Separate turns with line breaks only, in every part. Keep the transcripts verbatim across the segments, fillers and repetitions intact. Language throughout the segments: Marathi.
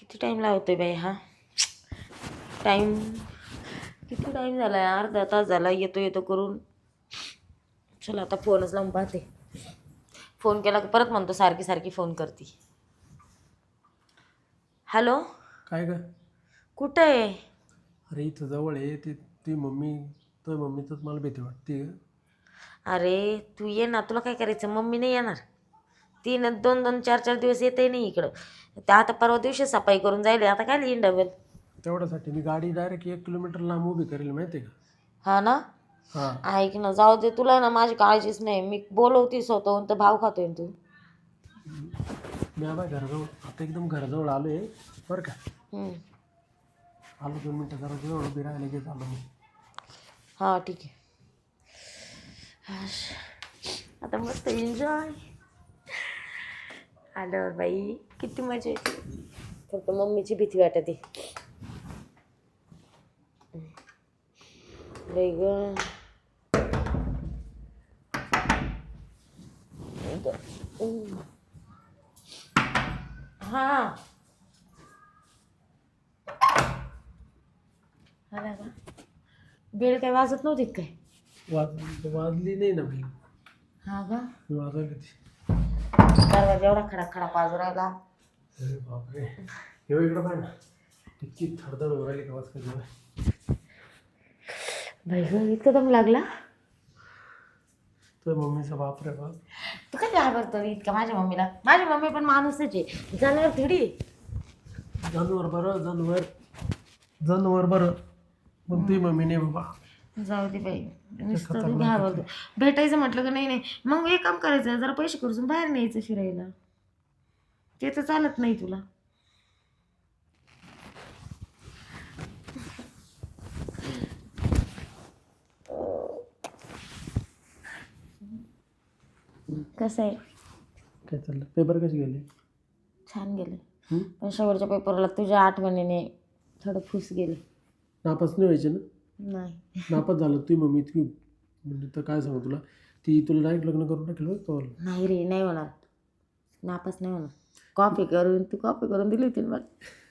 किती टाईम लावतोय बाई हा. टाईम किती टाईम झाला आहे, अर्धा तास झाला येतो येतो करून. चला आता फोनच लावून पाहते. फोन केला की परत म्हणतो सारखी सारखी फोन करते. हॅलो.
काय ग?
कुठं आहे?
अरे इथं जवळ आहे. ती ती मम्मी तर मम्मीचंच मला भीती वाटते ग.
अरे तू ये ना, तुला काय करायचं? मम्मी नाही येणार. तीन दोन दोन चार चार दिवस येते नाही इकडं. त्या आता परवा दिवशी सफाई करून जायले, आता काय येईन डबल.
तेवढ्यासाठी मी गाडी डायरेक्ट एक किलोमीटर लांब उभी करेल माहिती आहे का?
हा ना.
हां.
ऐक ना, जाऊ दे, तुला ना माझी काळजीच नाही. मी बोलवती स्वतःहून तर भाव खातोय ना तू.
मी आबा घराजवळ आता एकदम घराजवळ आलो आहे बरं का.
हम्म.
आलो दोन मिनटं जरा जवळ उभी राहायला घेत आलो मी.
हां ठीक आहे. आता मस्त एन्जॉय. आल्यावर बाई किती मजा येते. फक्त मम्मीची भीती वाटते. बाई ग. हां आला का? बेल काय वाजत नव्हती काय?
वाज वाजली नाही ना भाई.
हा का?
मी वाजवली ती.
दरवाजा एवढा खडा खडा वाजू राहिला.
अरे बापरे. येऊ इकडं पाय ना. इतकी थरथर होऊ राहिली का वाजता जेव्हा.
बाई ग इतका दम लागला.
तर मम्मीचा बाप रे बाप.
तू काय घाबरतो इतका माझ्या मम्मीला? माझी मम्मी पण माणूसच आहे, जनावर थोडी.
जनावर बरं जनावर जनावर बरं पण ती मम्मी नाही बाबा.
जाऊ दे बाई, नुसतं तू घाबरतो. भेटायचं म्हटलं का नाही नाही मग एक काम करायचं, जरा पैसे खर्चून बाहेर न्यायचं फिरायला. ते तर चालत नाही तुला. कसं आहे?
काय चाललं? पेपर कसे गेले?
छान गेले. पण शेवटच्या पेपरला तुझ्या आठवणीने थोडं फुस गेले.
नापास नाही व्हायचे ना?
नाही.
नापास झालं ती मम्मी इतकी म्हणजे तर काय सांगू तुला, ती तुला डायरेक्ट लग्न करून टाकेल बघ तो.
नाही रे, नाही होणार. नापास नाही होणार. कॉपी करून तू कॉपी करून दिली होती मला.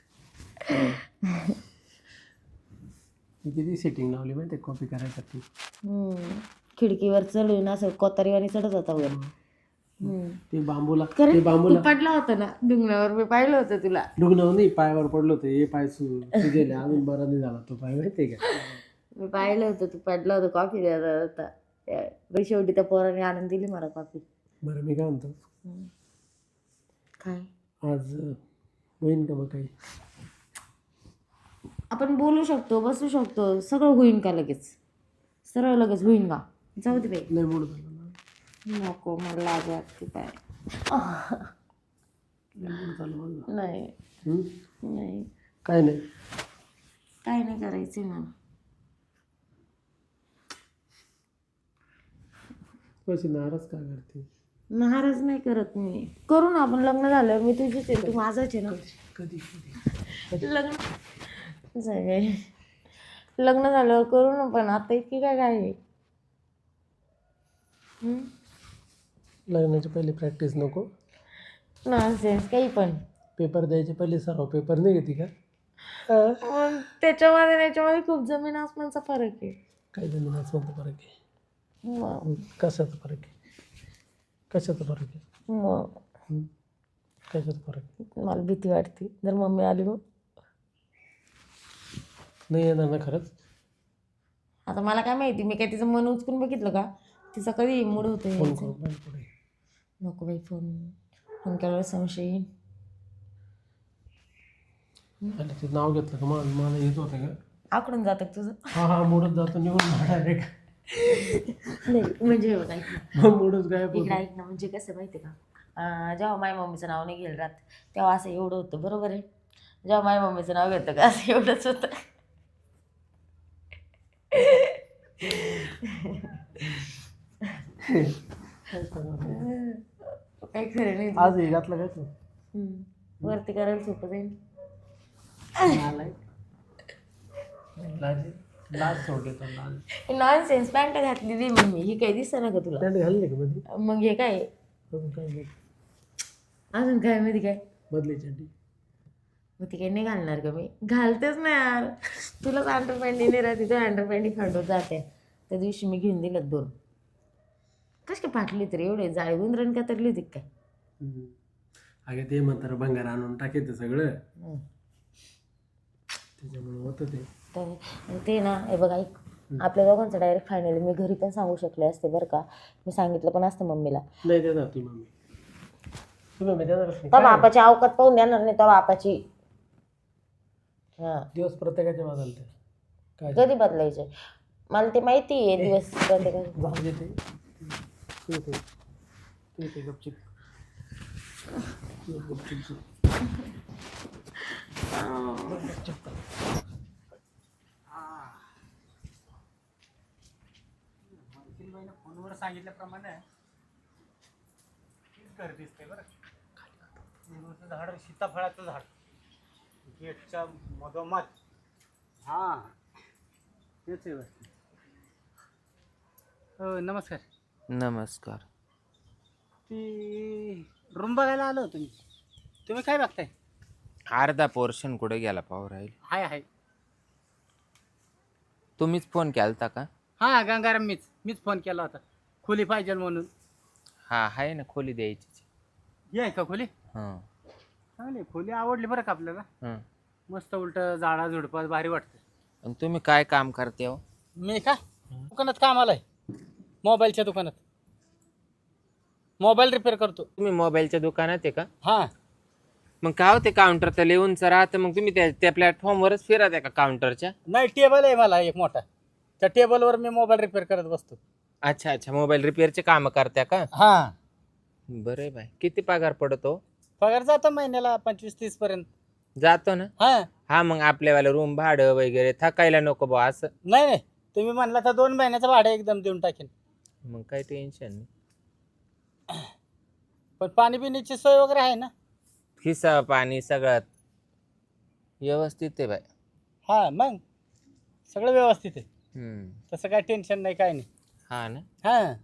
मी किती सेटिंग लावली माहिती आहे कॉपी करायसाठी.
खिडकीवर चढून असं कोतारीवाणी चढत होता वर.
ते बांबूला
खरं
ते
तू
बांबूला
पडला होता ना डुंगरावर, मी पाहिलं होतं तुला.
डुगणं नाही पायावर पडलं होतं. हे पाय सु गेले अजून बरा नाही झाला तो पाय माहिती आहे का.
मी पाहिलं होतं तू पडला होता, कॉफी द्यायला होता. त्या शेवटी त्या पोराने आणून दिली मला कॉफी.
बरं मी काय म्हणतो,
काय
आज होईन का मग काही?
आपण बोलू शकतो, बसू शकतो, सगळं होईन का लगेच? सरळ लगेच होईन का? जाऊ दे बाई.
नाही मूड झाला ना.
नको, मला लाज वाटते काय.
मूड झालं माझं.
नाही
हम्म?
नाही
काय नाही
काय नाही करायचं मला.
कशी नाराज का करते?
महाराज नाही करत मी. करू ना आपण, लग्न झाल्यावर मी तुझीच आहे, तू माझाच आहे ना.
कधी कधी
लग्न जाय लग्न झाल्यावर करू ना, पण आता इतकी काय काय आहे.
लग्नाची पहिली प्रॅक्टिस नको?
नॉनसेन्स काही पण.
पेपर द्यायचे पहिले सराव पेपर नाही घेते का?
मग त्याच्यामध्ये त्याच्यामध्ये खूप जमीन आसमानचा फरक आहे.
काय जमीन आसमानचा फरक आहे?
मग
कशाचा फरक आहे? कशाचा फरक आहे?
मग
कशाचा फरक आहे?
मला भीती वाटते जर मम्मी आली मग.
नाही येणार ना खरंच?
आता मला काय माहिती, मी काय तिचं मन उचकून बघितलं का? तिचा कधी मूड होतं
फोन
यायचं.
करून बाई पुढे.
नको बाई, फोन फोन केल्यावर संशय येईन.
आणि ते नाव घेतलं का मला मला येत होतं का?
आकडून जातं का तुझं?
हा हा मूडच जातो निघून डायरेक्ट.
नाही म्हणजे बघ ऐक ना,
मग मूडच गायब
इकडे
होतो.
ऐक ना, म्हणजे कसं माहिती आहे का, जेव्हा माझ्या मम्मीचं नाव नाही घेईल राहत तेव्हा असं एवढं होतं, बरोबर आहे. जेव्हा माझ्या मम्मीचं नाव घेतं का असं एवढंच होतं. काही खरं नाही.
आज हे घातलं काय तू?
हम्म. वरती करायला सोपं जाईल.
लाज लाज सोडले तर लाज.
नॉनसेन्स, पॅन्ट घातलेली मम्मी, ही काही दिसत ना का तुला?
पॅन्ट घालली का मध्ये?
मग हे काय
अजून काय नाही.
अजून काय मध्ये काय?
मधली चड्डी.
मग ती काही नाही घालणार का मी घालतेच ना यार. तुलाच अंडरपॅन्टी नाही राहते तू अंडरपॅन्टी खंडून जाते. त्या दिवशी मी घेऊन दिलं दोन. कशी काय फाटली तरी एवढे जाळी गुंदरण का तरली होती काय.
हम्म. अगे ते म्हणतात भंगार आणून टाकायचं सगळं
हम्म.
त्याच्यामुळे होतं ते.
तर आणि ते ना हे बघा ऐक आपल्या दोघांचं डायरेक्ट फायनली मी घरी पण सांगू शकले असते बरं का. मी सांगितलं पण असतं मम्मीला.
नाही देणार ती मम्मी ती मम्मी देणारच नाही.
त्या बापाची अवकात पाहून देणार नाही त्या बापाची. हा
दिवस प्रत्येकाचे बदलते काय
कधी बदलायचे मला ते माहिती आहे दिवस प्रत्येकाचे.
जाऊ दे ते तू ते तू ते गपचिप गपचिप गपचिप फोनवर सांगितल्याप्रमाणे घर दिसते बरं. झाड सीताफळाचं झाड गेटच्या मधोमध. हा तेच आहे. हो नमस्कार.
नमस्कार.
ती रूम बघायला आलो तुम्ही तुम्ही काय बघताय.
अर्धा पोर्शन कुठे गेला पाहू राहील.
हाय हाय.
तुम्हीच फोन केलता का.
हा गंगाराम मीच मीच फोन केला होता खोली पाहिजे म्हणून.
हा आहे ना खोली द्यायची.
हे आहे का खोली.
हां
चांगली खोली आवडली बरं का आपल्याला.
हां.
मस्त उलट झाडा झुडपात भारी वाटतं.
आणि तुम्ही काय काम करते हो.
मी का दुकानात कामाला आहे मोबाईलच्या दुकानात मोबाईल रिपेअर करतो.
तुम्ही मोबाईलच्या दुकानात आहे का.
हां
मग काय होते काउंटर तर लिहूनच राहतं मग तुम्ही त्या त्या प्लॅटफॉर्मवरच फिरत आहे का काउंटरच्या.
नाही टेबल आहे मला एक मोठा त्या टेबलवर मी मोबाईल रिपेअर करत बसतो.
अच्छा अच्छा मोबाईल रिपेअरचे कामं करत्या का.
हां
बरं आहे बाय. किती पगार पडतो.
पगार जातो महिन्याला पंचवीस तीस पर्यंत
जातो ना.
हां.
हा मग आपल्यावाला रूम भाडं वगैरे थकायला नको बा असं.
नाही नाही तुम्ही म्हणला तर दोन महिन्याचं भाडं एकदम देऊन टाकेन.
मग काही टेन्शन नाही.
पण पाणी पिण्याची सोय वगैरे आहे ना.
खिसा पाणी सगळं व्यवस्थित आहे बाय.
हां मग सगळं व्यवस्थित आहे
हम्म.
तसं काय टेन्शन नाही काय नाही.
हा ना.
हां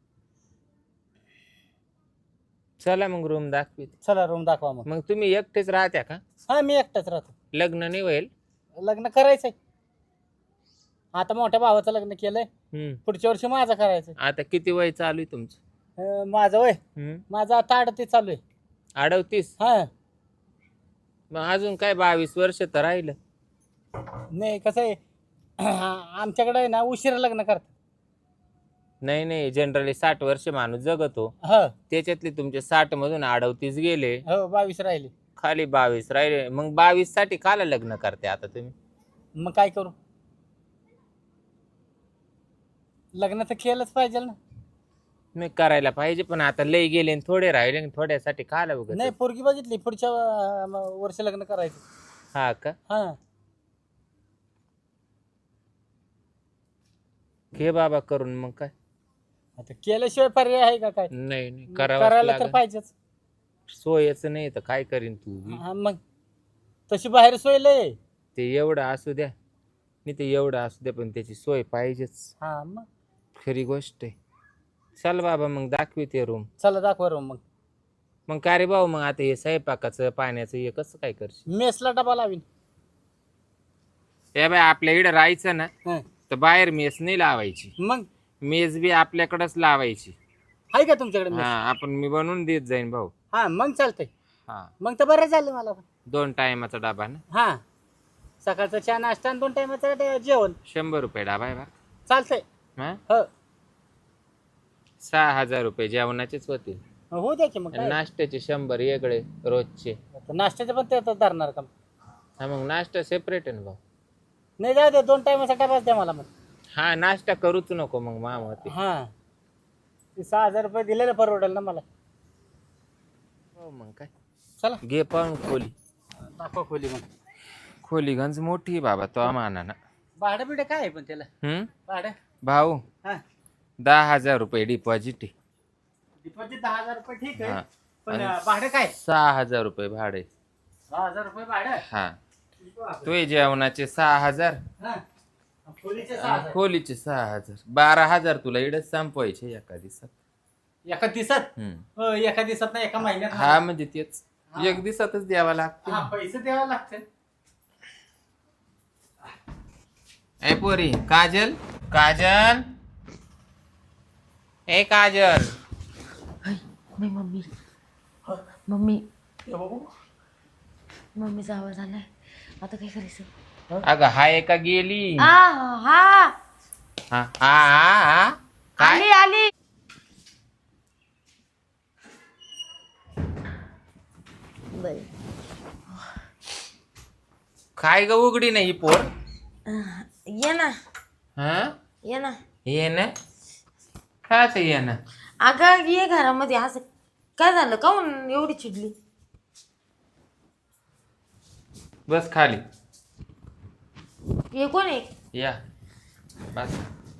चला मग रूम दाखवी.
चला रूम दाखवा मग.
मग तुम्ही एकटेच राहत्या का.
हां मी एकटाच राहतो.
लग्न नाही होईल.
लग्न करायचंय आता मोठ्या भावाचं लग्न केलंय
हम्म.
पुढच्या वर्षी माझं करायचंय.
आता किती वय चालू आहे तुमचं.
अं, माझं वय
हम्म.
माझं आता अडतीस चालू आहे.
अडवतीस.
हां
मग अजून काय बावीस वर्ष तर राहिलं.
नाही कसं आहे आमच्याकडे आहे ना उशिरा लग्न करतात.
नाही नाही जनरली साठ वर्ष माणूस जगतो.
हो
त्याच्यातले तुमचे साठ मधून अडवतीस गेले
हो बावीस राहिले.
खाली बावीस राहिले. मग बावीस साठी काला लग्न करते आता तुम्ही.
मग काय करू लग्न तर केलंच पाहिजे ना.
मी करायला पाहिजे पण आता लय गेले आणि थोडे राहिले आणि थोड्यासाठी काला बघत.
नाही पोरगी बघितली पुढच्या अं, वर्षी लग्न करायचं.
हा का.
हां
घे बाबा करून मग काय.
आता केल्याशिवाय पर्याय आहे का काय.
नाही नाही
करायला
करावं
तर
लागेल.
पाहिजेच.
सोयच नाही तर काय करीन तू बी?
हा मग तशी बाहेर सोय लय.
ते एवढं असू द्या नाही ते एवढं असू द्या पण त्याची सोय पाहिजेच.
हा मग
खरी गोष्ट आहे. चल बाबा मग दाखवी ते रूम.
चला दाखवा रूम. मग
मग का रे भाऊ मग आता हे स्वयंपाकाचं पाण्याचं हे कसं काय करशील.
मेसला डबा लावीन.
हे बाय आपल्या इकडे राहायचं ना
हं.
तर बाहेर मेस नाही लावायची.
मग
मेस बी आपल्याकडेच लावायची.
आहे का तुमच्याकडे
हा
मेस.
आपण मी बनवून देत जाईन भाऊ.
हा मग चालतंय.
हा
मग तर बरं झालं मला पण.
दोन टायमाचा डबा ना.
हा सकाळचा चहा नाश्ता आणि दोन टायमाचं जेवण.
शंभर रुपये डबा आहे बा.
चालतंय.
हा
हो
सहा हजार रुपये जेवणाचेच होतील.
होऊ द्या की मग
आणि
काय.
नाश्त्याचे शंभर वेगळे रोजचे.
आता नाश्त्याचं पण ते आता धरणार का.
हा मग नाश्ता सेपरेट आहे ना भाऊ.
नाही जाऊ दे दोन टायमाचा डबाच द्या मला मग.
हा नाश्ता करूच नको मग मामा ते.
हा ते सहा हजार रुपये दिलेलं परवडेल ना मला.
हो मग काय.
चला
घे पाहून खोली.
दाखवा खोली मग.
खोली गंज मोठी आहे बाबा तो मानानं.
भाडं बिडं काय आहे पण त्याला
हम्म
भाडं.
भाऊ
हा
दहा हजार रुपये डिपॉझिट आहे.
डिपॉझिट दहा हजार रुपये ठीक
हा.
आहे पण
आणि
भाडं काय.
सहा हजार रुपये भाडे.
दहा हजार रुपये भाडं.
हा तुझे जेवणाचे सहा हजार
हा खोलीचे सहा हजार.
खोलीचे सहा हजार बारा हजार तुला इडच संपवायचे एका दिवसात.
एका दिवसात.
हम्म.
हो, एका दिवसात ना एका महिन्यात.
हा म्हणजे तेच एक दिवसातच द्यावा लागते
हा पैसे द्यावे लागते.
ए पोरी काजल काजल ए काजल
नाही मम्मी मम्मी
ये बाबू
मम्मीचा आवाज आलाय आता काय करायचं?
अगं हाय का गेली
आ, हा
हा हा हा हा. काय
आली आली बाई
काय ग उघडी नाही ही पोर
ये ना
हा
ये ना
ये ना काच ये ना
अगं ये घरामध्ये असं काय झालं काऊन एवढी चिडली?
बस खाली
हे कोण आहे?
या बस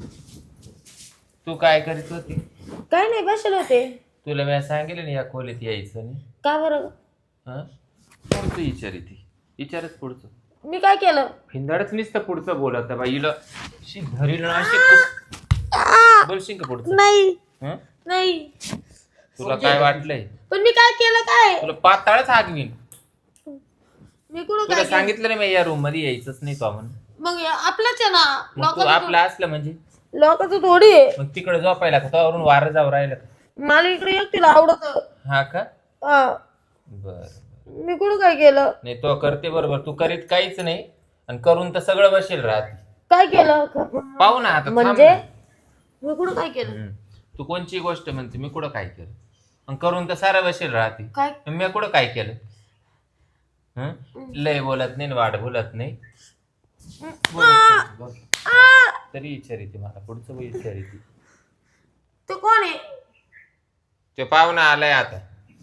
तू काय करीत होती
काय नाही बसले होते.
तुला मी सांगितलं ना या खोलीत यायचं नाही
का बरं?
हा पुढचं विचार ती विचारच पुढचं
मी काय केलं?
फिंदाडच नुसतं पुढचं बोलत बाईला शी धरील ना अशी बोलशील का पुढचं
नाही
हं?
नाही
तुला काय वाटलंय
पण मी काय केलं काय?
तुला पाताळच हागवीन
मी कुठं
तुला
काय
सांगितलं नाही मी या रूम मध्ये यायचंच नाही तो म्हणून
मग या- आपलंच आहे ना
मग तू
लोकांचं
आपलं असलं म्हणजे
लोकांचं थोडी आहे.
मग तिकडे झोपायला का त्यावरून वारं जाऊ राहिलं का
मला इकडे एकटीला आवडत.
हा का बर
मी कुठं काय केलं?
नाही तो करते बरोबर तू करीत काहीच नाही आणि करून तर सगळं बसेल राहते
काय केलं
पाहू ना आता थांब
म्हणजे
ना.
मी कुठं काय केलं?
हम्म. तू कोणची गोष्ट म्हणते मी कुठं काय केलं आणि करून तर सारं बसेल राहते
काय
मी कुठं काय केलं हं? लय बोलत नाही वाढ बोलत नाही बोलत बोल. तरी विचारी ती मला पुढचं विचारी ती
ते कोण आहे?
ते पाहुणा आलाय आता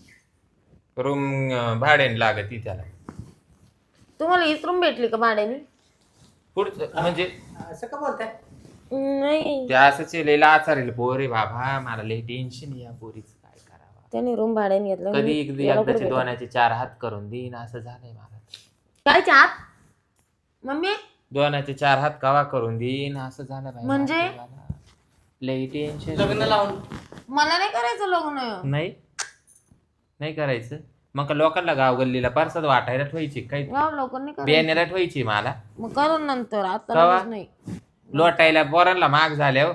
रूम भाड्याने लागत ती त्याला
तुम्हाला हीच रूम भेटली का भाड्याने?
पुढचं म्हणजे
असं का बोलताय?
नाही
ते असंच लिहिलं आचारेल पोरे बाबा मला लय टेन्शन या पोरीच काय करावा
त्याने रूम भाड्याने घेतलं.
कधी एकदा
याला कुठं
एकदाचे
भेटलं?
दोनाचे चार हात करून देईन असं झालंय मला
काय चात मम्मी?
दोनाचे चार हात कवा करून देईन असं झालं बाई
म्हणजे?
मला. लय टेन्शन
लग्न लावून
मला नाही करायचं लग्न.
नाही नाही करायचं मग लोकांना गाव गल्लीला परसाद वाटायला ठेवायची काही
गाव लोकांनी करायचं
बियाण्याला ठेवायची मला
मग करून नंतर आता
कवा?
लगेच नाही.
लोटायला बोरांना माग झाल्यावर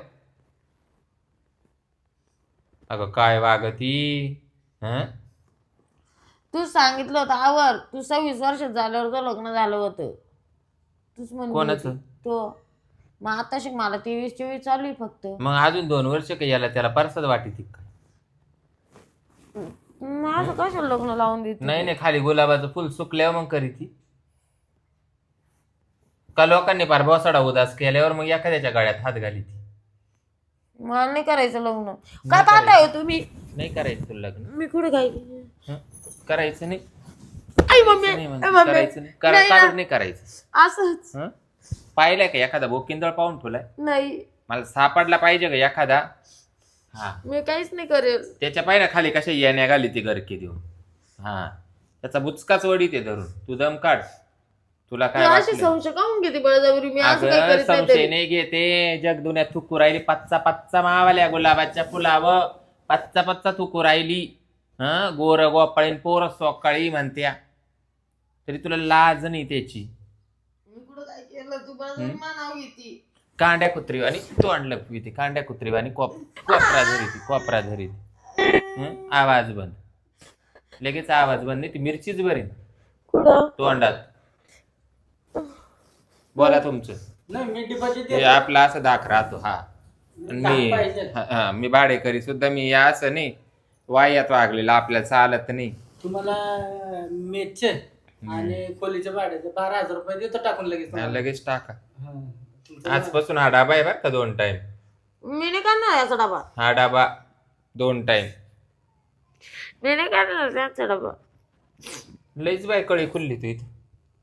अगं काय वागती हं
तू सांगितलं होतं आवर तू सव्वीस वर्षात झाल्यावर तो लग्न झालं होतं. तूच म्हणली
कोणाचं?
होती. तो मग आता शिक मला तेवीस चोवीस चालू आहे फक्त.
मग अजून दोन वर्ष का याला त्याला परसाद वाटी ती
मग असं कशाला लग्न लावून देते?
नाही नाही खाली गुलाबाचं फुल सुकल्यावर मग करी ती का लोकांनी पार बसाडा उदास केल्यावर मग एखाद्याच्या गळ्यात हात घाली ती
मला नाही करायचं लग्न. काय पाहताय हो तुम्ही?
नाही करायचं तुला लग्न
मी कुठे काय
हं? करायचं नाही
आई मम्मी
नाही
आई
म्हणते,
मम्मी.
करायचं नाही करा
नाही ना.
काढून नाही करायचं
असंच
हं? पाहिलंय का एखादा बोकिंदळ पाहून ठेवलाय
नाही
मला सापडला पाहिजे का एखादा हा
मी काहीच नाही करेल.
त्याच्या पाहिजे खाली कशा येण्या घाली ती गरके देऊन हा त्याचा बुचकाच वडी ते धरून तू दम काढ तुला
तू
काय
अशी
वाटलं?
संशय काऊन घेते बळजबरी? मी असं काय
अगं
करीत नाही
संशय
तरी.
नाही घेते जग दुन्यात थुकू राहिली पच्चा पच्चा मावाल्या गुलाबाच्या फुलावं पच्चा पच्चा थुकू राहिली हं गोर गोपाळीन पोर सोकाळी म्हणत्या तरी तुला लाज नाही त्याची
मी कुठं काय केलं? तू बळजबरी नाव घेती.
कांड्या कुत्री आणि तोंड लपवी कांड्या कुत्री आणि कोप कोपरा धरी ती कोपरा धरी ती आवाज बंद लगेच आवाज बंद नाही ती मिरचीच बरी
कुठं?
तोंडात बोला तुमचं
नाही मी डिपॉझिट
हे आपला असं दाख राहतो हा आणि मी
पाहिजे.
हा, हा, मी भाडेकरी सुद्धा मी या असं नाही वायात वागलेला आपल्याला चालत नाही
तुम्हाला मेसचे आणि खोलीच्या भाड्याचे बारा हजार रुपये देतो टाकून लगेच
हा,
तुम्हाला.
लगेच टाका
हा. तुमचं
आजपासून हा डाबा आहे बरं का दोन टाइम
मी नाही करणार याचा डबा.
हा डाबा दोन टाइम
मी नाही करणार त्याचा डबा.
लईच बाय कळी खुलली तू इथे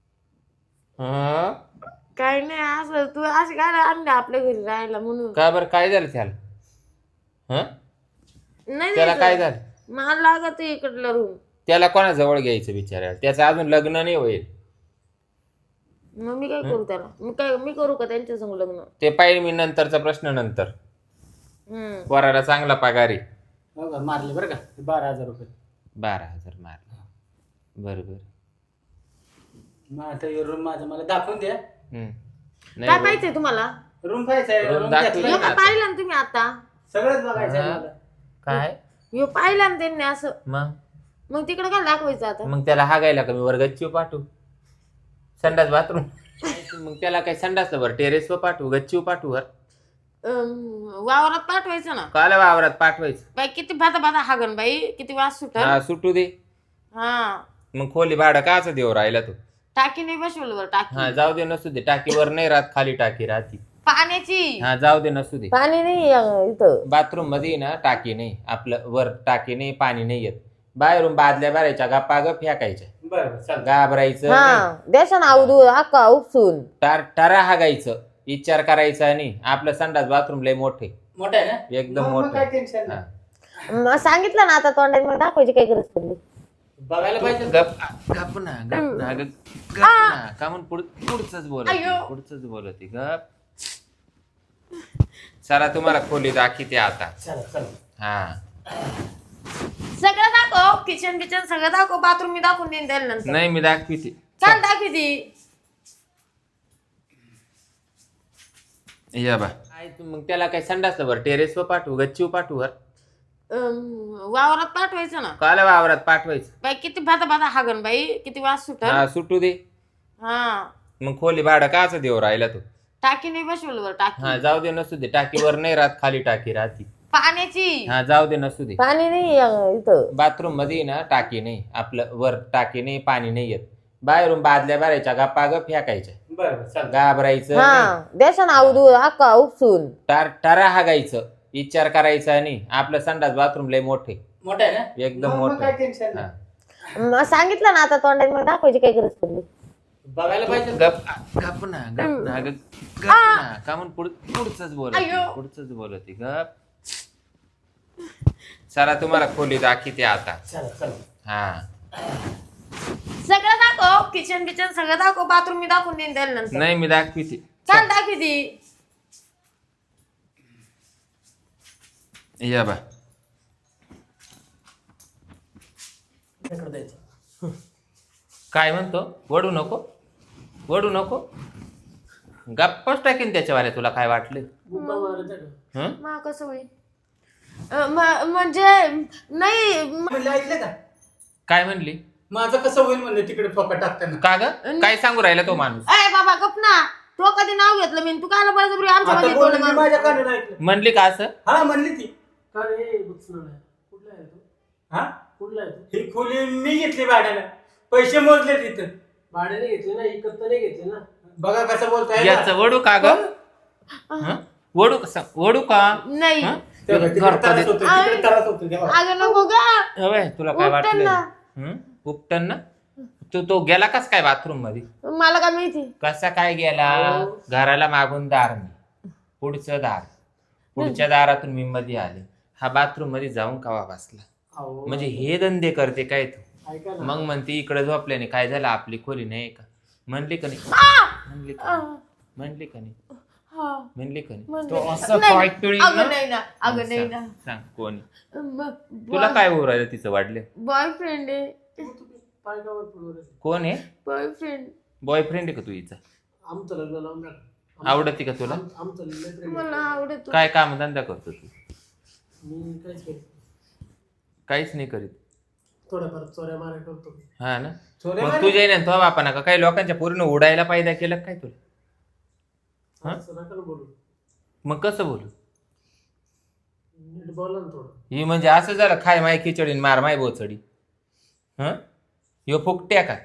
हा
काही नाही असं तू असं काय आणले आपल्या घरी राहायला म्हणून.
का बरं काय झालं त्याला हा
नाही
त्याला
द्यायचं.
काय झालं
मला लागत इकडलं रूम.
त्याला कोणाजवळ घ्यायचं बिचारायला त्याचं अजून लग्न नाही होईल
मग मी काय करू त्याला? मी काय मी करू का त्यांच्या संग लग्न?
ते पाहिजे मी नंतरचा प्रश्न नंतर
हम्म.
वराला चांगला पगार आहे
हो का, मारले बरं का बारा हजार रुपये.
बारा हजार मारला बरं बरं.
मग आता रूम माझा मला दाखवून द्या.
हम्म.
काय
नाही
पाहिजे तुम्हाला?
रूम पाहिजे
Room
रूम
दाखवली
घेतला
ह्यो
ना.
का पाहिलं ना तुम्ही आता?
सगळंच बघायचं आहे
हा.
मला.
काय
ह्यो पाहिलं ना त्यांनी असं,
मग
मग तिकडे काय दाखवायचं आता?
मग त्याला हागायला का मी वर गच्चीवर पाठवू? संडास बाथरूम मग त्याला काय संडासला वर टेरेसवर पाठवू गच्चीवर पाठवू वर?
अं, वावरात पाठवायचं ना.
काल वावरात पाठवायचं.
बाई किती भाता भाता हागन बाई, किती वास सुटल.
हा सुटू दे.
हा
मग खोली भाडं काच देऊ राहिला तू?
टाकी नाही बसवलं वर
हा
टाकी.
जाऊ दे नसू दे. टाकीवर नाही राहत, खाली टाकी राहती.
पाण्याची
हा जाऊ दे नसू दे.
पाणी नाही अं, इथं.
बाथरूम मध्ये ना टाकी नाही, आपलं वर टाकी नाही, पाणी नाही येत. बाहेरून बादल्या भरायच्या गप्पा ग फेकायच्या,
बरं चालतं.
घाबरायचं नाही.
हा देशान आवदू अक्का उपसून.
टार टारा हागायचं, विचार करायचा नाही. आपलं संडास बाथरूम लय मोठे,
मोठा आहे ना
एकदम
मग- मग
मोठं.
काय टेन्शन नाही.
हा.
मग सांगितलं ना आता तोंडाने, मग दाखवायची काय गरज पडली?
बघायला पाहिजे.
गप गप ना गप ना ग- गप ना का म्हणून पुढ पुढचंच बोलत
अय्यो.
पुढचंच बोलत गप. चला तुम्हाला खोली दाखवते आता.
चला चला.
हा
सगळं दाखव, किचन बिचन सगळं दाखव, बाथरूम मी दाखवून देईन त्याला नंतर.
नाही मी दाखवते.
चाल दाखवती.
या बा काय तू मग त्याला काय संडासला वर टेरेसवर पाठवू गच्चीवर पाठवू वर?
अं, वावरात पाठवायचं ना.
काल वावरात पाठवायचं.
बाई किती भाता भाता हागन बाई, किती वास सुटल.
हा सुटू दे.
हा
मग खोली भाडं काच देऊ राहिला तू?
टाकी नाही बसवलं वर टाकी.
हा जाऊ दे नसू दे. टाकीवर नाही राहत, खाली टाकी राहती.
पाण्याची
हा जाऊ दे नसू दे.
पाणी नाही अं, इथं.
बाथरूम मध्ये ना टाकी नाही, आपलं वर टाकी नाही, पाणी नाही येत. बाहेरून बादल्या भरायच्या गप्पा ग फेकायच्या,
बरं चालतं.
घाबरायचं नाही.
हा देशान आवदू अक्का उपसून.
टार टारा हागायचं, विचार करायचा नाही. आपलं संडास बाथरूम लय मोठे,
मोठा आहे ना
एकदम
मग- मग
मोठं.
काय टेन्शन
हा.
नाही.
मग सांगितलं ना आता तोंडाने, मग दाखवायची काय गरज पडली?
बघायला पाहिजे.
गप गप ना गप ना ग- गप ना का म्हणून पुढ पुढचंच बोलत
अय्यो.
पुढचंच बोलत गप. चला तुम्हाला खोली दाखवते आता.
चला चला.
हा
सगळं दाखव, किचन बिचन सगळं दाखव, बाथरूम मी दाखवून देईन त्याला नंतर.
नाही मी दाखवते.
चाल दाखवती.
या बा
इकडं द्यायचं.
काय म्हणतो? वडू नको, वडू नको. गप्पच टाकीन त्याच्यावाल्या. तुला काय वाटलं?
बुब्बा मारायचा का?
हं?
मा कसं होईल? अं, म- म्हणजे नाही म-
म्हणलं ऐकलं का
काय म्हणली?
माझं कसं होईल म्हणलं तिकडे ठोका टाकताना.
का ग काय सांगू राहिला तो माणूस?
अय बाबा गप ना. तो कधी नाव घेतलं मी, तू कायला बळजबरी आमच्या
आता
मध्ये
बोलली
तोंड
मी
मारून?
माझ्या कानानं ऐकलं.
म्हणली का असं?
हा म्हणली ती.
का रे बुचणार आहे? कुठला आहे तो?
हा
कुठला आहे तो?
ही खोली मी घेतली भाड्यानं, पैसे मोजले तिथं.
भाड्याने घेतले ना, इकत तर नाही घेतले ना.
बघा कसं बोलताय ना.
याचं वडू का ग? हं? वडू कसं वडू का?
नाही
हं?
तेव्हा तिकडे
घर
त्रास
कधी-
होतो, तिकडे त्रास होतो तेव्हा.
अगं नको ग.
अबे, तुला काय
उपटन
वाटलं?
ना.
हं? उपटन ना? तू तो गेला कस काय बाथरूम मध्ये?
मला काय माहिती.
कसा काय गेला? घराला मागून दार नाही, पुढचं दार, पुढच्या दारातून मी मध्ये आले. हा बाथरूम मध्ये जाऊन कवा बसला?
अहो,
म्हणजे हे धंदे करते काय तू?
ऐका ना.
मग म्हणते इकडे झोपल्याने काय झालं, आपली खोली नाही का? म्हणली का नाही? म्हणली का नाही? म्हणली का नाही?
हा.
म्हणली का नाही?
म्हणली.
तो असं
नाही.
पाय पिळील
अगं
ना?
नाही ना, अगं नाही
सांग
ना.
सांग, कोणी
म-
तुला काय होऊ राहिलं? तिचं वाढले
बॉयफ्रेंड आहे.
तू तुम्ही पायगावर पडवर आहे.
कोण आहे?
बॉयफ्रेंड
बॉयफ्रेंड आहे का तू हिचा?
आमचं लग्न लावून टाका. आम-
आवडते का तुला?
आम- आमचं लग्न प्रेम आहे.
मला आवडतो.
काय काम धंदा करतो तू?
मी काहीच करतो.
काहीच नाही करीत.
थोड्याफार चोऱ्या माऱ्या करतो.
हा ना?
चोऱ्या
मग
माऱ्या?
तुझ्या ना तो बापाना का काही लोकांच्या पूर्ण उडायला पायदा केलं काय तुला? हा?
असं नका ना बोलू.
मग कसं बोलू?
नीट बोला ना थोडं.
ही म्हणजे असं झालं, खाय माय खिचडी आणि मार माय बोचडी. हं? ह्यो फुकट्या का?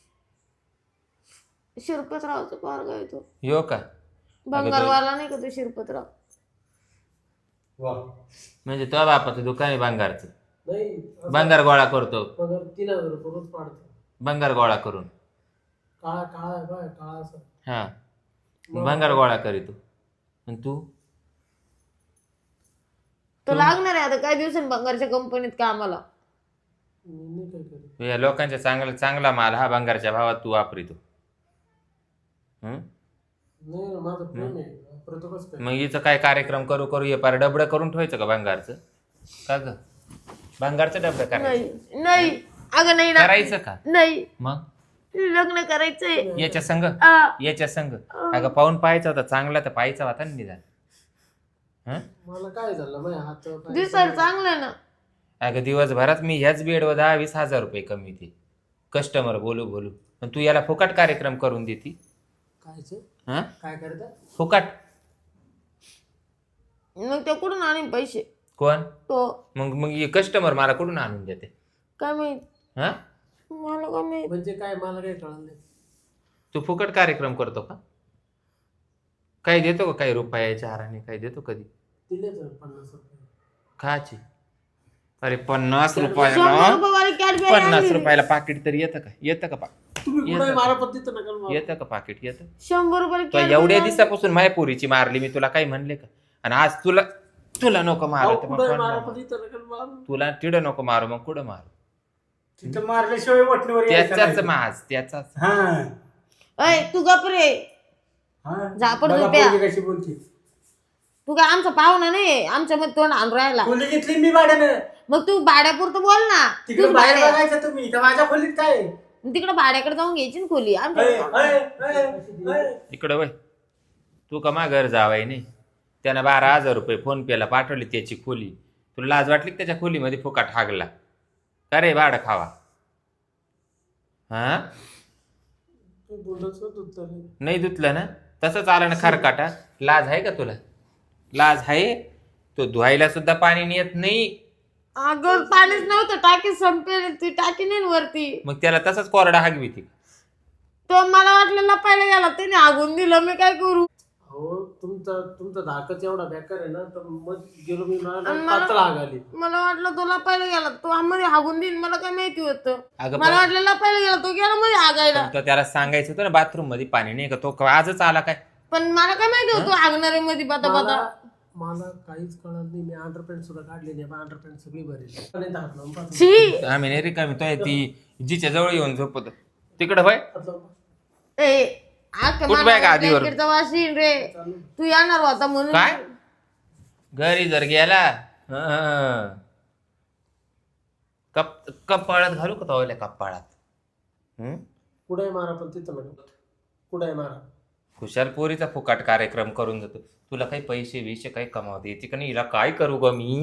शिरपतरावचा पोरगा आहे तो.
ह्यो का?
बंगारवाला नाही का तो शिरपतराव?
वा.
म्हणजे तो बापाचं दुकान आहे भंगारचं.
नाही असं
भंगार गोळा करतो,
पगार तीन हजार रुपये रोज पाडतो.
भंगार गोळा करून.
काळा काळा आहे बा, काळा असं.
हा भंगार गोळा करीतो. आणि तू?
तो लागणार आहे आता काही दिवसांनी बंगारच्या कंपनीत कामाला.
मी नाही काय करत.
या लोकांच्या चांगला चांगला माल हा भंगारच्या भावात तू वापरितो. हं?
नाही ना, माझं प्रेम आहे. वापरतो कसं काय?
मग हिचं काय कार्यक्रम करू करू हे पार डबडं करून ठेवायचं का भंगारचं? का ग? भंगारचं डबडं करायचं?
नाही नाही अगं नाही ना
करायचं का
नाही
मग
लग्न करायचंय
याच्या संग
आ,
याच्या संग अगं पाहून पाहायचा होता चांगला तर पाहायचा होता ना निदान हं?
मला काय झालं माझ्या हात पाय
दिसायला चांगलं ना
अगं दिवसभरात मी ह्याच बेडवर दहा वीस हजार रुपये कमी ते कस्टमर बोलू बोलू पण तू याला फुकट कार्यक्रम करून देती
कायचं
हा
काय करता
फुकट
मग ते कुठून आणीन पैसे
कोण
तो
मग मग कस्टमर मला कुठून आणून देते
काय माहित
हा
मला काय माहित
म्हणजे काय मला काय कळलं नाही
तू फुकट कार्यक्रम करतो का काही देतो का काही रुपयाच्या हाराने काही देतो कधी
दिले तर पन्नास रुपये
खाची अरे पन्नास
शंभर
रुपयाला
रुपयेवाली कॅडबरी
पन्नास
आणली.
रुपयाला पाकिट तरी येतं का येतं का पा
तुम्ही
येतं
कुठे
का?
मारा पद्धती नका मारू.
येतं का पाकिट येतं
शंभर रुपयाला
तो
कॅडबरी
एवढ्या
आणली.
दिवसापासून माझ्या पोरीची मारली मी तुला काही म्हणले का आणि आज तुला तुला नको
अहो,
मारू तर मग
कुठे
कोण
मारा
मारू?
पद्धती नका मारू.
तुला तिडं नको मारू मग कुठं मारू
तिथं मारल्याशिवाय वटणीवर यायचं
त्याचाच
नाही.
माज त्याचाच
हा
अय तू गप रे
हा.
झापड
बघा
झोप्या.
पोरगी कशी बोलते
तू काय आमचा पाहुणा नाही आमच्या मध्ये तोंड आणून राहिला
खोली घेतली मी भाड्यानं
मग तू भाड्यापुरतं बोल ना
तिकडे
तूच
बाहेर
भाड्या-
बघायचं तुम्ही तर माझ्या खोलीत काय
तिकडे भाड्याकडे जाऊन घ्यायची ना खोली
अय,
आमच्या
अय, अय, अय.
इकडं वय तू का मा घर जावाय नाही त्यानं बारा हजार रुपये फोन पेला पाठवली त्याची खोली तुला लाज वाटली का त्याच्या खोलीमध्ये फुकाट हागला का रे भाडं खावा हा
ते बोलत होत नाही.
नाही धुतलं ना तसंच आलं ना खरकाटा लाज आहे का तुला लाज आहे तो धुवायला सुद्धा पाणी नेत नाही
अगं पाणीच नव्हतं टाकी संपेल ती टाकी नाही ना वरती
मग त्याला तसंच कोरडा हागवी ती
तो मला वाटलं लपायला गेला त्याने आगून दिलं मी काय करू
अहो तुमचा तुमचा धाकच एवढा बेकार आहे ना तर मग गेलो मी मला
आणि मला-
पातळ आगाली
मला वाटलं तो लपायला गेला तो आम्हाला हागून देईन मला काय माहिती होतं
अगं
मला
पण-
वाटलं लपायला गेला तो गेला मध्ये आगायला
पण तो त्याला सांगायचं होतं ना बाथरूम मध्ये पाणी नाही का तो आजच आला काय
पण मला काय माहिती होतं आगणारे मध्ये बता बता
मला मला काहीच कळत नाही मी अंडरपॅन्ट सुद्धा काढली नाही अंडरपॅन्ट सगळी भरेल नाही तर हात लावून पाहतो.
छी
आम्ही नाही रिकामी तो आहे ती जिच्या जवळ येऊन झोपत तिकडं भाई
हात लावून पाहतो.
ए आग
कुठं बाय का आधीवर?
ब्लँकेटचा वास येईन रे तू येणार होता म्हणून
काय घरी जर गेला हं. कप कपाळात घालू का तो कपाळात हं?
कुठे मारा पण तिथं नका कुठे मारा
खुशाल पोरीचा फुकाट कार्यक्रम करून जातो तुला काही पैसे बिशे काही कमावते येते का नाही हिला काय करू ग मी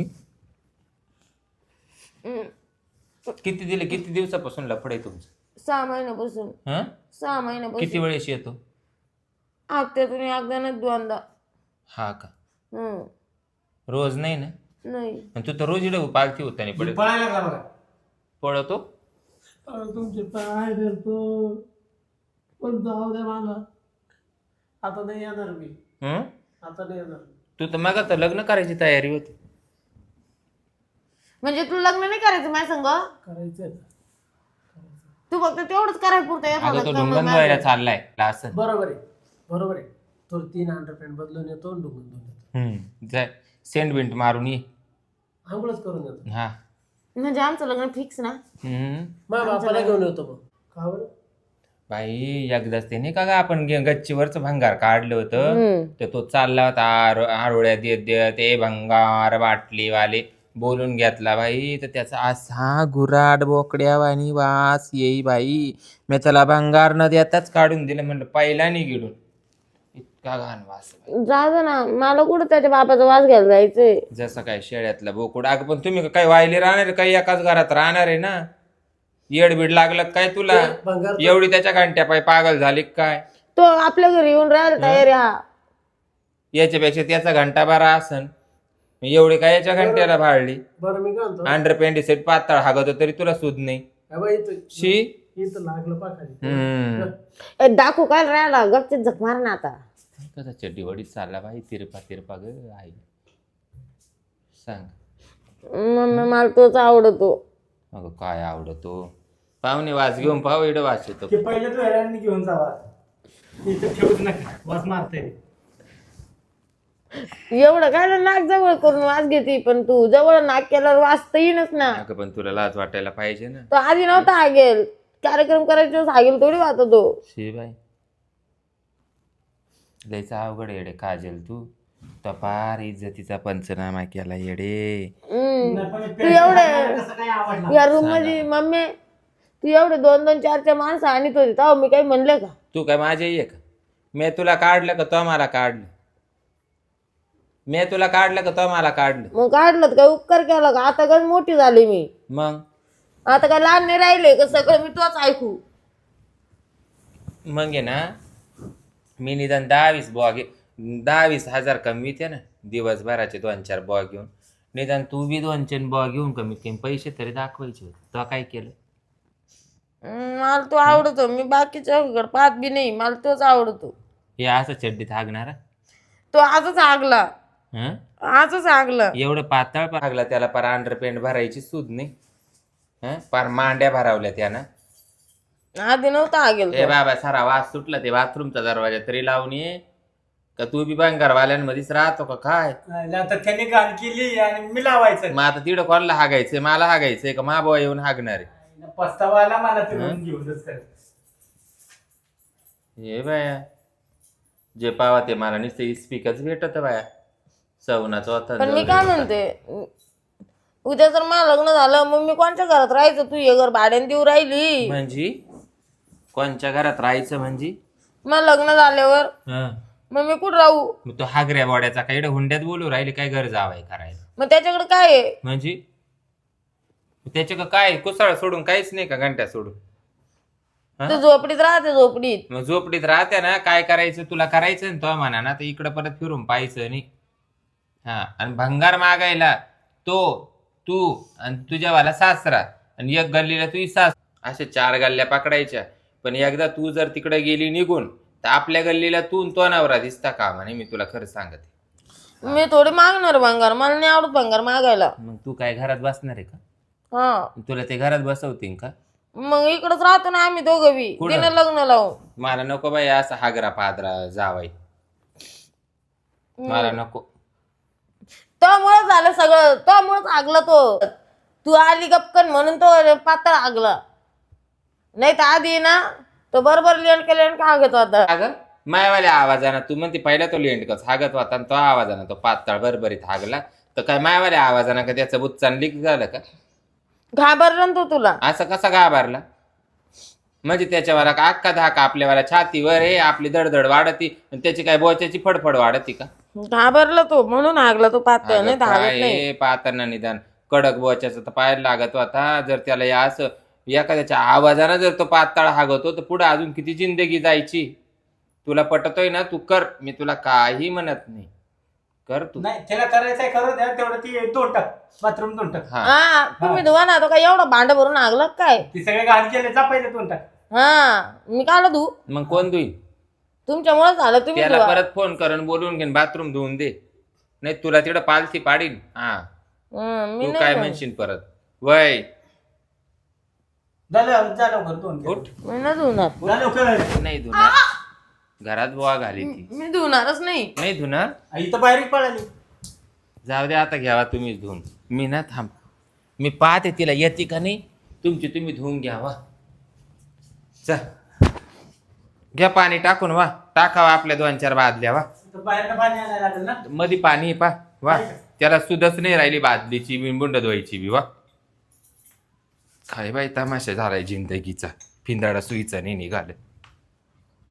हम्म.
किती दिले किती दिवसापासून लफड आहे तुमचं
सहा महिन्यापासून
हं?
सहा महिन्यापासून
किती वेळेस येतो
हप्त्यातून एकदा ना दोनदा
हा का
हम्म.
रोज नाही ना
नाही
आणि तू तर रोज इकडे पालखी होता नाही पडत
पळायला लागला बघा
पळतो
अहो, तुमचे पाय धरतो पण जाऊ द्या मला आता नाही येणार मी
हं?
आता नाही येणार
तू तर मग तर लग्न करायची तयारी होती
म्हणजे तू लग्न नाही करायचं माझ्या संग
करायचंय
तू फक्त तेवढंच करायला पुरतं येत
अगं तो
होता
ढुंगण धुवायला चाललाय असं
बरोबर आहे बरोबर आहे तो तीन अंडरपॅन्ट बदलून येतो आणि डुंगून दोन येतो
हम्म जाय सेंट बिंट मारून ये
आंघोळच करून येतो
हा
म्हणजे आमचं लग्न फिक्स ना
हम्म
माझ्या बापाला घेऊन येतो मग का बरं
बाई एकदाच ते नाही का ग आपण गे- गच्चीवरचं भंगार काढलं होतं
हम्म.
तर तो चालला होता आरो आरोळ्या देत देत ए भंगार बाटलीवाले बोलून घेतला बाई तर त्याचा असा गुराड बोकड्यावानी वास येई बाई मी त्याला भंगार न देताच काढून दिलं म्हणलं पहिला नाही गिडून इतका घाण वास
जा जा ना मला कुठं त्याच्या बापाचा वास घ्यायला जायचंय
जसं काय शेळ्यातला बोकुड अगं पण तुम्ही काही वायले राहणार आहे, काही एकाच घरात राहणार आहे ना येडबीड लागलं का काय तुला
भंगार
एवढी त्याच्या घंट्या पाय पागल झाली का काय
तो आपल्या घरी येऊन राहायला तयार आहे हा
याच्यापेक्षा त्याचा घंटा बारा असन एवढी काय याच्या घंट्याला भाडली
बरं मी काय म्हणतो
अंडर पेंडिसेट पातळ हागत तरी तुला सुद नाही
हा बाई, इथं
शी
इथं लागलं पाखाली
हम्म
ए, दाखवू काय राहिला गपचीत झक मार ना आता
कसा चड्डी वडीत चालला बाई तिरपा तिरपा ग आई सांग
मम्मी मला तोच आवडतो
अगं काय आवडतो पाहुणे वास घेऊन पाहू इकडं वास येतो
ते पहिले तू हेरांनी घेऊन जावा इथं ठेवूच नका वास मारते
एवढं काय ना नाक जवळ करून वास घेते पण तू जवळ नाक केल्यावर वास तर येईनच ना
अगं पण तुला लाज वाटायला पाहिजे ना
तो आधी नव्हता हागेल कार्यक्रम करायच्या वेळेस हागेल थोडी वाहत तो
शी बाई लयचा अवघड येडे काजल तू तपार इज्जतीचा पंचनामा केला येडे
तू एवढे या रूम मध्ये मम्मी तू एवढे दोन दोन चार चार माणसं आणत होती तेव्हा मी काही म्हणले का?
तू काय माझे ये का? मी तुला काढलं का तो मला काढलं? मी तुला काढलं का तो मला काढलं?
मग काढलं तर काय उपकार केला का? आता काय मोठी झाली मी,
मग
आता काय लहान नाही राहिले का? सगळं मी तोच ऐकू.
मग आहे ना, मी निदान दहा वीस बॉ घे दहा वीस हजार कमविते ना दिवसभराचे दोन चार बॉ घेऊन. निदान तू बी दोन चार बॉ घेऊन कमीत कमी पैसे तरी दाखवायचे होते. तो काय केलं?
हम्म, मला तो आवडतो. मी बाकीच्या पाहत बी नाही, मला तोच आवडतो.
हे असं चड्डीत हागणारा
तो आजच आगला,
हं?
आजच आगला.
एवढं पातळ हागला त्याला पार अंडरपेंट भरायची सूद नाही. हं? पार मांड्या भरावल्या त्यानं.
आधी नव्हता आगेल
ए बाबा सारा वास सुटला ते बाथरूमचा दरवाजा तरी लावून ये का? तू बी बंगारवाल्यांमध्येच राहतो का काय?
नाही, आता त्याने घाण केली आणि मी लावायचं.
मग आता तिकडं कोणाला हागायचंय? मला हागायचंय का मा भाऊ येऊन हागणार आहे?
पस्तावा आला मला ते घेऊन घेऊनच कर.
हे बाया जे पावा ते मला नुसतं इस्पिकच भेटत बाया. सवनाचं होता
पण मी काय म्हणते, उद्या जर मला लग्न झालं मग मी कोणत्या घरात राहायचं? तू हे घर भाड्याने देऊ राहिली.
म्हणजे कोणच्या घरात राहायचं म्हणजे?
मग लग्न झाल्यावर
हं.
मग मी कुठं राहू?
मग तो हागऱ्या बोड्याचा काही हुंड्यात बोलू राहिले काय घर जावाय करायला
मग त्याच्याकडे काय आहे?
म्हणजे? त्याच्या का काय कुसाळ सोडून काहीच नाही का? घंट्या सोडून हा?
तू झोपडीत राहते, झोपडीत.
मग झोपडीत राहते ना, काय करायचं तुला करायचं ना तो म्हणा ना, तर इकडं परत फिरून पाहायचं नाही. हा, आणि भंगार मागायला तो तू आणि तुझ्यावाला सासरा आणि एक गल्लीला तुझी सास, अशा चार गल्ल्या पकडायच्या. पण एकदा तू जर तिकडे गेली निघून तर आपल्या गल्लीला तू आणि तो नवरा दिसता का म्हणे. मी तुला खरं सांगते,
मी थोडी मागणार भंगार, मला नाही आवडत भंगार मागायला.
मग तू काय घरात बसणार आहे का?
हा,
तुला ते घरात बसवतील का?
मग इकडच राहतो ना आम्ही दोघं बी.
कुठं?
तिने लग्न लावून.
मला नको बाई असं हागरा पादरा जावाय, मला नको.
त्यामुळे झालं सगळं, त्यामुळेच आगला तो. तू आली गपकन म्हणून तो पातळ आगला. नाही तर आधी ना तो बरोबर लेंड लेंड हागत होता.
अगं मायवाल्या आवाजानं तू म्हणते पहिला तो लेंडकच हागत होता आणि तो आवाजानं तो पातळ बरबरीत हागला. तर काय मायवाल्या आवाजानं का त्याचं बुच्चान लीक झालं का?
घाबरला ना तो तुला.
असं कसा घाबरला? म्हणजे त्याच्यावर का अख्खा धाका आपल्यावाला छातीवर आहे, आपली दडदड वाढती आणि त्याची काय बोच्याची फडफड वाढती का?
घाबरला तो म्हणून हागला तो पातळ, नाही तर हागत नाही.
काय पातळना निदान कडक बोच्याचं तर पायाला लागत होता. जर त्याला या असं एखाद्याच्या आवाजानं जर तो पातळ हागतो तर पुढे अजून किती जिंदगी जायची. तुला पटतोय ना, तू कर. मी तुला काही म्हणत नाही, कर तू.
नाही त्याला करायचंय करू द्या. तेवढं ती दोन टाक बाथरूम दोन टाक.
हा,
हा, तुम्ही धुवा ना. तो काय एवढं भांड भरून हागला काय?
ती सगळे घाण केले जा पहिले दोन टाक.
हा, मी काला धू?
मग कोण धुईल?
तुमच्यामुळे झालं, तुम्ही
त्याला
धुवा.
परत फोन करून बोलून घेऊन बाथरूम धुवून दे, नाही तुला तिकडं पालथी पाडीन. हा,
हं, मी
तू
नाही
काय
धुवत.
म्हणशील परत? वय
झालं जा लवकर दोन केले.
उठ.
मी नाही धुणार.
जा लवकर.
नाही धुणार, घरात बुवा घाली ती.
मी धुणारच नाही.
नाही धुणार,
इथं बाहेर पळाली.
जाऊ दे आता, घ्यावा तुम्हीच धुवून. मी ना थांब, मी पाहते तिला येते का नाही. तुमची तुम्ही धुवून घ्यावा. चा घ्या पाणी टाकून वा, टाकावा आपल्या दोन चार बादल्या वा.
इथं बाहेर पाणी आणायला लागेल ना.
मध्ये पाणी पा वा, त्याला सुधच नाही राहिली बादलीची बी बुंड धुवायची बी वा. काय बाई तमाशा झालाय जिंदगीचा, फिंदाडा सुईचा नाही निघालं.